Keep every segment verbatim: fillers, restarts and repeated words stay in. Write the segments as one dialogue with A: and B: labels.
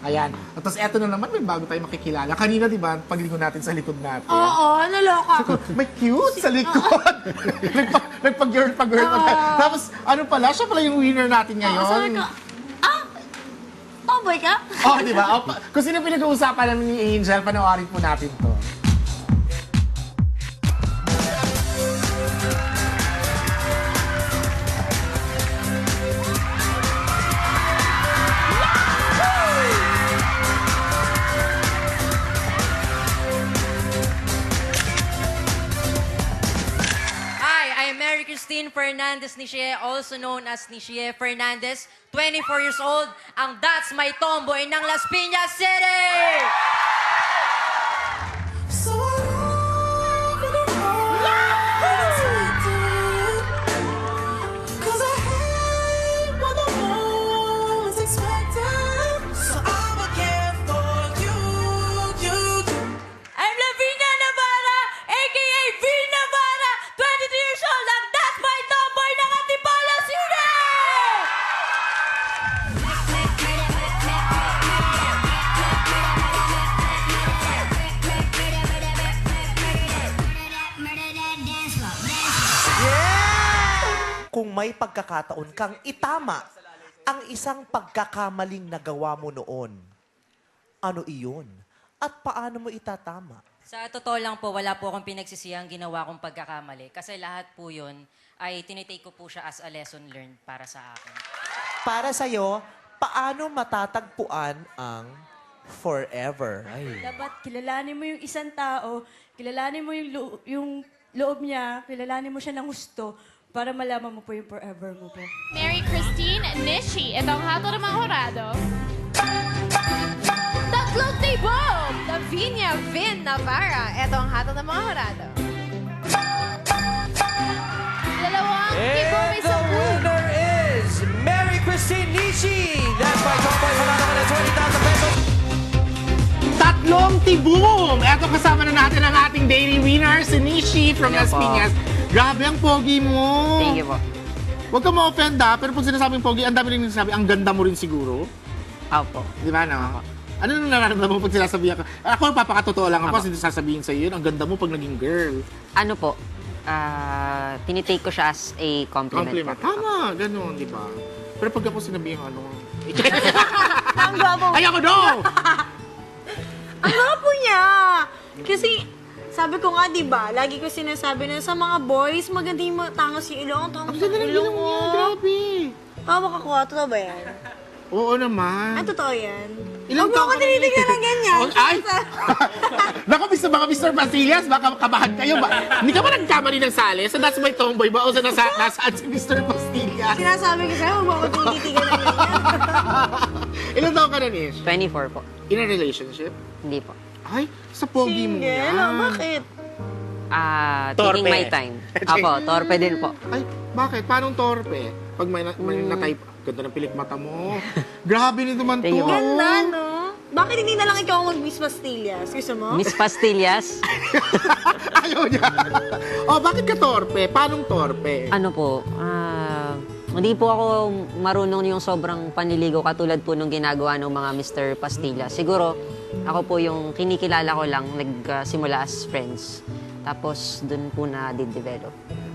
A: Ayan. At tapos eto na naman, may bago tayo makikilala. Kanina, di ba, paglingon natin sa likod natin.
B: Oo, naloka ako.
A: May cute sa likod. Nagpa- Nagpag-girl pa girl pa. Tapos, ano pala, siya pala yung winner natin ngayon.
B: Oo, sabi ko, ah, tomboy ka?
A: Oh, di ba? Oh, pa- kung sino pinag-uusapan namin ni Angel, panoorin po natin to.
C: Hi, I'm Mary Christine Fernandez Nichie, also known as Nichie Fernandez, twenty-four years old, ang That's My Tomboy ng Las Piñas City!
D: So I love it all. Cause I hate when the moment's expected. So I'ma care for you, you, you.
B: I'm Lavinia Navarra, a k a V Navarra, twenty-two years old, ang That's My Tomboy ng Antipolo City!
E: Kung may pagkakataon kang itama ang isang pagkakamaling nagawa mo noon, ano iyon? At paano mo itatama?
C: Sa totoo lang po, wala po akong pinagsisiyang ginawa kong pagkakamali. Kasi lahat po yun ay tinitake ko po siya as a lesson learned para sa akin.
E: Para sa'yo, paano matatagpuan ang forever?
F: Dapat kilalanin mo yung isang tao, kilalanin mo yung, lo- yung loob niya, kilalanin mo siya ng gusto para malaman mo po yung forever mo po.
G: Mary Christine Nishi, ito ang hatol ng mga horado. Tatlong tibong! Lavinia Vin Navarra, ito ang hatol ng mga horado. Dalawang tibong may sampu.
E: winner is Mary Christine Nishi! That's my tomboy, panalo ka ng twenty thousand pesos.
A: Tatlong tibum! Eto, kasama na natin ang ating daily winner, si Nishi from Las
H: po.
A: Piñas. Grabe ang pogi mo.
H: Thank you po.
A: Huwag ka ma-offend ha, pero pag sinasabing pogi, ang dami rin sinasabi, ang ganda mo rin siguro.
H: Opo.
A: Di ba, no? Ano nang nararamdaman mo pag sinasabihan ka? Ako, papakatotoo lang ako,
H: Ako.
A: kasi sasabihin sa'yo yun, ang ganda mo pag naging girl.
H: Ano po, ah, tinitake ko siya as a compliment,
A: Compliment.
H: po.
A: Tama, ganun, di ba? Pero pag ako sinabihin ano,
B: Ang gwapo.
A: ay ako no!
B: Ang gwapo niya! Kasi, sabi ko nga, di ba, lagi ko sinasabi na sa mga boys, maganda yung mga tangos yung ilong, tangos
A: Ang
B: yung
A: ganda ng
B: ilong
A: ilong
B: mo.
A: niya, grabe.
B: Tawa ka kuha, totoo ba yan?
A: Oo naman.
B: Ah, totoo yan?
A: Ilang
B: Huwag mo
A: taon
B: ako
A: ka na-
B: tinitignan ng ganyan.
A: Oh, ay! Baka mister mga mister Basillas, baka kabahan kayo ba? Hindi ka ba nagkamali ng sali? Sa That's My Tomboy ba? O sa nasa, nasaan si mister Basillas?
B: Sinasabi ko sa'yo, huwag mo ako tinitignan ng ganyan.
A: Ilang taon ka na, Nish?
H: twenty-four po.
A: In a relationship?
H: Hindi po.
A: Ay, sa pogi mo
B: Single?
A: yan.
B: Oh, bakit?
H: Ah,
A: Torpe.
H: taking my time. Opo, torpe din po.
A: Ay, bakit? Paano torpe? Pag may, na- may na-type, ganda ng pilik mata mo. Grabe nito man to.
H: Thank you, ma'am.
B: Ganda, no? Bakit hindi na lang ikaw mag-Miss Pastillas? Gusto mo?
H: Miss Pastillas,
A: Ayaw niya. Oh, bakit ka torpe? Paano torpe?
H: ano po, ah, hindi po ako marunong yung sobrang panliligaw katulad po nung ginagawa ng mga mister Pastillas. Siguro, ako po yung kinikilala ko lang, nagsimula as friends. Tapos, dun po na develop.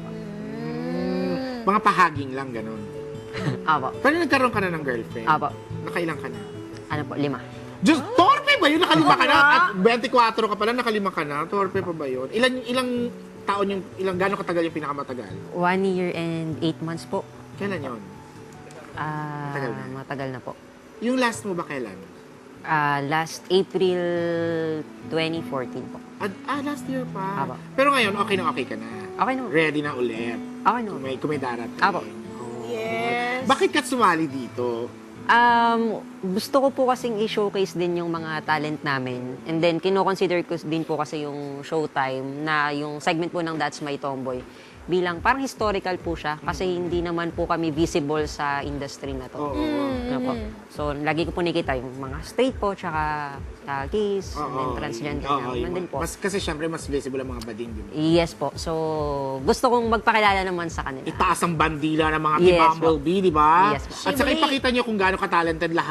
A: Mga pahaging lang, ganun.
H: Apo.
A: Pero nagkaroon ka na ng girlfriend?
H: Apo.
A: Nakailang ka na?
H: Ano po, lima.
A: Diyos, torpe ba yun? Nakalima ka na? At twenty-four ka pala, nakalima ka na? Torpe pa ba yun? Ilang, ilang taon yung, ilang, gano'ng katagal yung pinakamatagal?
H: One year and eight months po.
A: Kailan yun?
H: Ah,
A: Matagal na.
H: matagal na po.
A: Yung last mo ba kailan?
H: Ah, last April twenty fourteen po.
A: Ah, ah, last year pa.
H: Apo.
A: Pero ngayon, okay na okay ka na.
H: Okay naman.
A: Ready na ulit.
H: Okay
A: Kung
H: naman.
A: may, kung may darating.
H: Apo.
A: Oh.
B: Yes.
A: Bakit ka sumali dito?
H: Um, gusto ko po kasing i-showcase din yung mga talent namin. And then, kino-consider ko din po kasi yung showtime na yung segment po ng That's My Tomboy bilang parang historical po siya kasi hindi naman po kami visible sa industry na to.
A: Oo.
H: Ano po? So, lagi ko po nakita yung mga straight po, tsaka uh, gays, and then
A: Oo.
H: transgender
A: Oo,
H: na.
A: yung
H: Nandun
A: mga-
H: po.
A: Mas, kasi syempre, mas visible ang mga bading, di ba?
H: Yes po. So, gusto kong magpakilala naman sa kanila.
A: Itaas ang bandila ng mga
H: Yes,
A: Team Bumblebee, di ba?
H: Yes, po.
A: At saka ipakita nyo kung gaano ka-talented lahat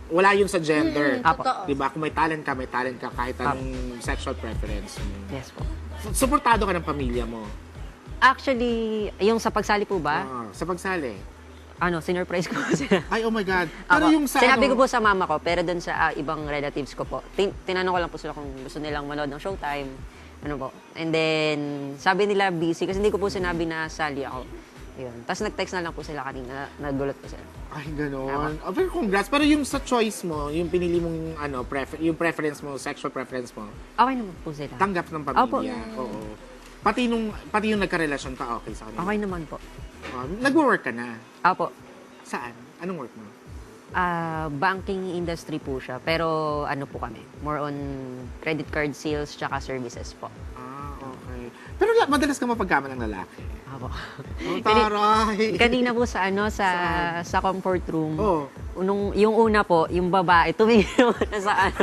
A: wala yun sa gender.
B: Mm, totoo.
A: Diba? Kung may talent ka, may talent ka kahit anong sexual preference mo.
H: Yes po.
A: Suportado ka ng pamilya mo.
H: Actually, yung sa pagsali po ba,
A: Ah, sa pagsali.
H: ano, sinurprise ko po sila.
A: Ay, oh my God. Pero
H: Apo.
A: yung sa
H: Sinabi
A: ano,
H: ko po sa mama ko, pero dun sa ah, ibang relatives ko po, tin- tinanong ko lang po sila kung gusto nilang manood ng Showtime. Ano po. And then, sabi nila busy kasi hindi ko po sinabi na sali ako. Yun. Tapos nag-text na lang po sila kanina, nagulat po sila.
A: ay, gano'n. Oh, pero congrats. Pero yung sa choice mo, yung pinili mong, ano, prefer yung preference mo, sexual preference mo,
H: Okay naman po sila.
A: tanggap ng pamilya. Oo. Pati nung, pati yung nagka-relasyon ka, okay sa kanila.
H: Okay naman po.
A: Uh, nagwo-work ka na.
H: Apo.
A: Saan? Anong work mo?
H: Ah, banking industry po siya. Pero ano po kami, more on credit card sales tsaka services po.
A: Ah, okay. Pero la- madalas ka mapagkama ng lalaki.
H: Apo.
A: Oh, taray.
H: Kanina po sa ano sa sa comfort room.
A: Oo.
H: Nung yung una po, yung babae tumingin muna sa ano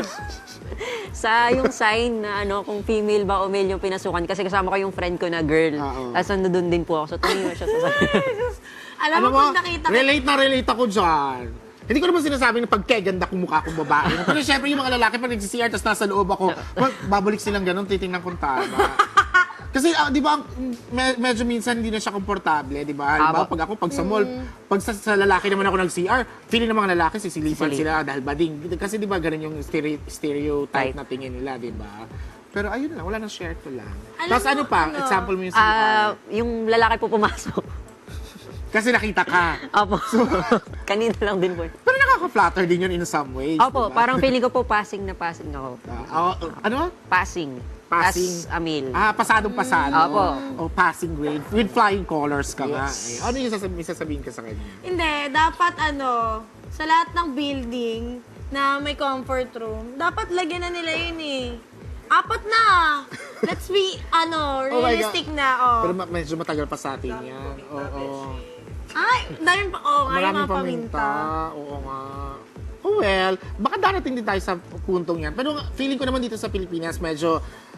H: sa yung sign na ano kung female ba o male yung pinasukan kasi kasama ko yung friend ko na girl.
A: Oo.
H: Tapos nandun din po ako. So tumingin siya sa
B: Alam mo, pag nakita ko,
A: relate na relate ako dyan. Hindi ko naman sinasabing na pagkeganda kong mukha kong babae. Pero syempre yung mga lalaki pag nag-C R tapos nasa loob ako, wag, babalik silang ganun, titingnan kong tama. Kasi ah, di ba, ang- me- medyo minsan hindi na siya komportable, di ba? Di ba,
H: Tama.
A: pag ako, pag sa mall, pag sa, sa lalaki naman ako nag-C R, feeling ng mga lalaki, sisilipan
H: Sisilip.
A: sila dahil bading. Kasi di ba, ganun yung stere- stereotype
H: Type.
A: na tingin nila, di ba? Pero ayun lang, wala nang share ko lang.
B: Alam
A: Tapos
B: mo,
A: ano pa,
B: ano,
A: example mo yung C R.
H: Ah, yung lalaki po pumasok.
A: Kasi nakita ka.
H: Opo. Kanina lang din po.
A: Pero nakaka-flatter din yun in some ways.
H: Opo,
A: di ba?
H: parang feeling ko po passing na passing ako.
A: Ah, oh, ano?
H: Passing.
A: Passing.
H: As a male.
A: Ah, pasadong pasado.
H: Opo.
A: O passing grade. With flying colors ka nga.
H: Yes.
A: Eh, ano yung sasabihin, sasabihin ka sa kanya?
B: hindi, dapat ano, sa lahat ng building na may comfort room, dapat lagyan na nila yun eh. Apat na. Let's be, ano,
A: Oh my
B: realistic
A: God.
B: na, oh.
A: Pero ma- medyo matagal pa sa atin yan. Oo.
B: Ay, dahil pa, oh, nga yung
A: Maraming
B: mga paminta.
A: paminta. Oo nga. Oh well, baka darating din tayo sa puntong yan. Pero feeling ko naman dito sa Pilipinas, medyo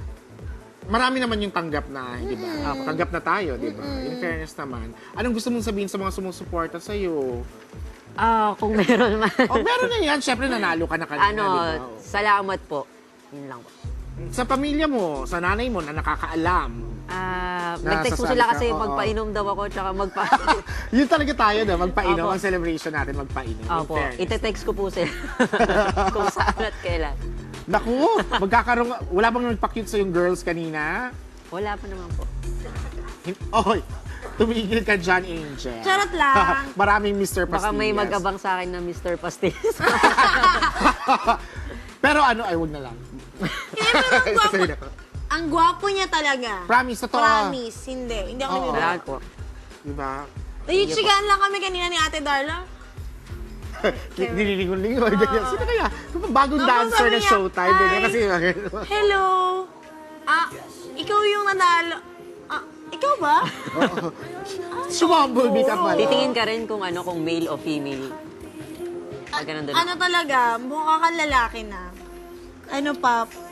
A: marami naman yung tanggap na, di ba? Tanggap na tayo, di ba? In fairness naman. Anong gusto mong sabihin sa mga sumusuporta sa'yo?
H: Ah, kung meron man.
A: Oh, meron na yan. Siyempre, nanalo ka na kanina,
H: ano,
A: di ba? Oh.
H: salamat po. Yun lang po.
A: Sa pamilya mo, sa nanay mo na nakakaalam.
H: Ah,
A: Nasa
H: nag-text po
A: sali
H: sila
A: ka,
H: kasi
A: oo.
H: magpainom daw ako tsaka magpa...
A: Yun talaga tayo na magpainom.
H: Opo.
A: Ang celebration natin, magpainom. In
H: Opo,
A: fairness.
H: ite-text ko po sila kung saan at kailan.
A: Naku, magkakaroon, wala bang nagpa-cute sa yung girls kanina?
H: Wala pa naman po.
A: Hin- Oy, tumigil ka dyan, Angel.
B: Charot lang.
A: Maraming mister Pastillas.
H: Baka may mag-abang sa akin na mister Pastis.
A: Pero ano, ay, wag na lang.
B: Eh, pero ang gwapo,
A: Sorry na.
B: ang gwapo niya talaga.
A: Promise, totoo.
B: Promise, hindi. Hindi ako
A: Oo.
B: naniwala.
H: Salamat po.
A: Diba?
B: Nayutsigaan lang kami kanina ni Ate Darla.
A: Nililingon-lingon, ganyan. Sino kaya? Bagong
B: Tapos
A: dancer
B: sabi
A: na
B: niya,
A: showtime. Ganyan
B: "Ay,
A: kasi.
B: Hello. Ah, ikaw yung nanalo. Ah, ikaw ba?
A: Sumambulbi ka pala.
H: Titingin ka rin kung ano, kung male o female. Pag ganun doon.
B: Ano talaga, mukha kang lalaki na. Ano pa,